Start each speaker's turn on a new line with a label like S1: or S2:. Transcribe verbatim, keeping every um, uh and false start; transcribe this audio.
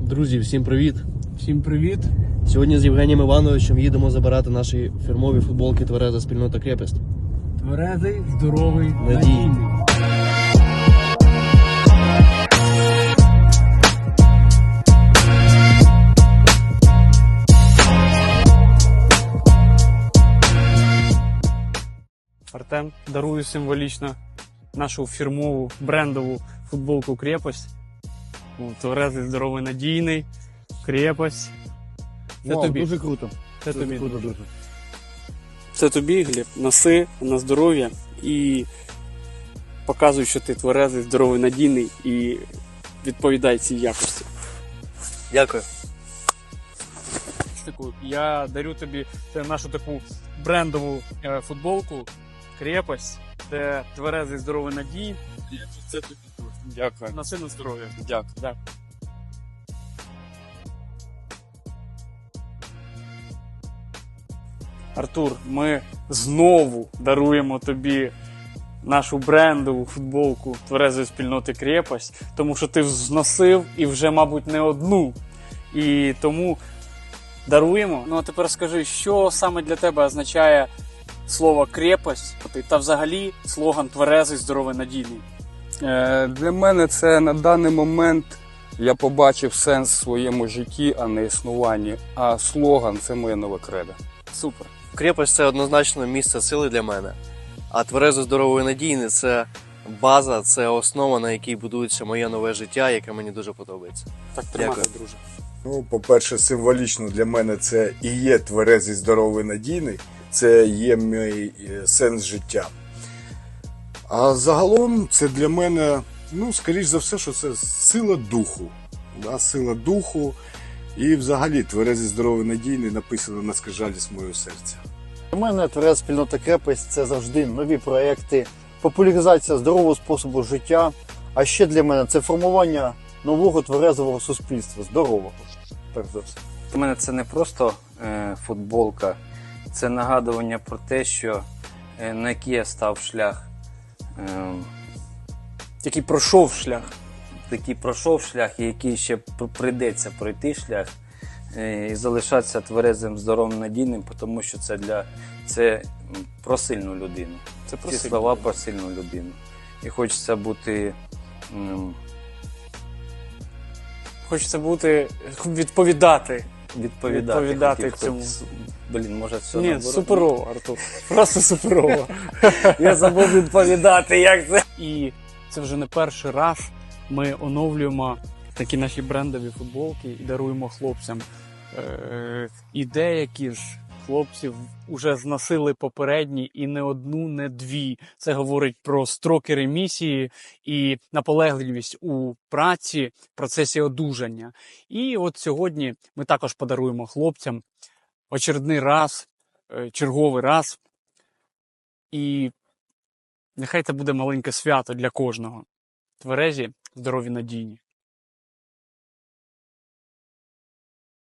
S1: Друзі, всім привіт!
S2: Всім привіт!
S1: Сьогодні з Євгенієм Івановичем їдемо забирати наші фірмові футболки «Твереза спільнота Крепость».
S2: Тверезий, здоровий,
S1: Надійний.
S2: надійний. Артем дарує символічно нашу фірмову брендову футболку «Крепость». Тверезий, здоровий, надійний. «Крепость». Це
S3: Вау,
S2: тобі.
S3: дуже круто.
S2: Це
S3: Дуже
S2: тобі.
S3: круто, дуже.
S2: Це тобі, Гліб, носи на здоров'я і показуй, що ти тверезий, здоровий, надійний і відповідай цій якості.
S1: Дякую.
S2: Я дарю тобі це нашу таку брендову е, футболку «Крепость». Це тверезий, здоровий, надійний. Це тобі.
S3: Дякую.
S2: Носи на здоров'я.
S3: Дякую.
S2: Дякую. Артур, ми знову даруємо тобі нашу брендову футболку тверезої спільноти «Крепость», тому що ти зносив і вже, мабуть, не одну. І тому даруємо. Ну а тепер скажи, що саме для тебе означає слово «крепость» та взагалі слоган «тверезий, здоровий, надійний»?
S3: Е, для мене це на даний момент я побачив сенс в своєму житті, а не існуванні. А слоган – це моє нове кредо.
S2: Супер.
S1: Крепость – це однозначно місце сили для мене. А «Тверезо, здоровий, надійний» – це база, це основа, на якій будується моє нове життя, яке мені дуже подобається.
S2: Так тримати,
S1: Дякую.
S2: друже.
S4: Ну, по-перше, символічно для мене це і є тверезий, здоровий, надійний. Це є мій е, сенс життя. А загалом це для мене, ну, скоріш за все, що це сила духу. Да? Сила духу. І взагалі тверезий, здоровий, надійний написано на скрижалі мого серця.
S5: Для мене твереза спільнота Крепость – це завжди нові проекти, популяризація здорового способу життя. А ще для мене це формування нового тверезового суспільства, здорового. Перш за все.
S6: Для мене це не просто е, футболка, це нагадування про те, що е, на який я став шлях, е,
S2: Який пройшов шлях.
S6: який пройшов шлях і який ще пр- прийдеться пройти шлях, е, і залишатися тверезим, здоровим, надійним, тому що це для це м, про сильну людину.
S2: Це про
S6: Ці
S2: сильну
S6: слова
S2: людину.
S6: про сильну людину. І хочеться бути. м,
S2: Хочеться бути, відповідати.
S6: Відповідати,
S2: Відповідати
S6: хотів,
S2: цьому.
S6: хоч- Блін, може все
S2: Ні,
S6: наоборот?
S2: суперово, Артур. Просто суперово.
S6: Я забув відповідати, як це.
S2: І це вже не перший раз ми оновлюємо такі наші брендові футболки і даруємо хлопцям. Е, і деякі ж хлопців вже зносили попередні і не одну, не дві. Це говорить про строки ремісії і наполегливість у праці в процесі одужання. І от сьогодні ми також подаруємо хлопцям очередний раз, е, черговий раз. І нехай це буде маленьке свято для кожного. Тверезі, здорові, надійні.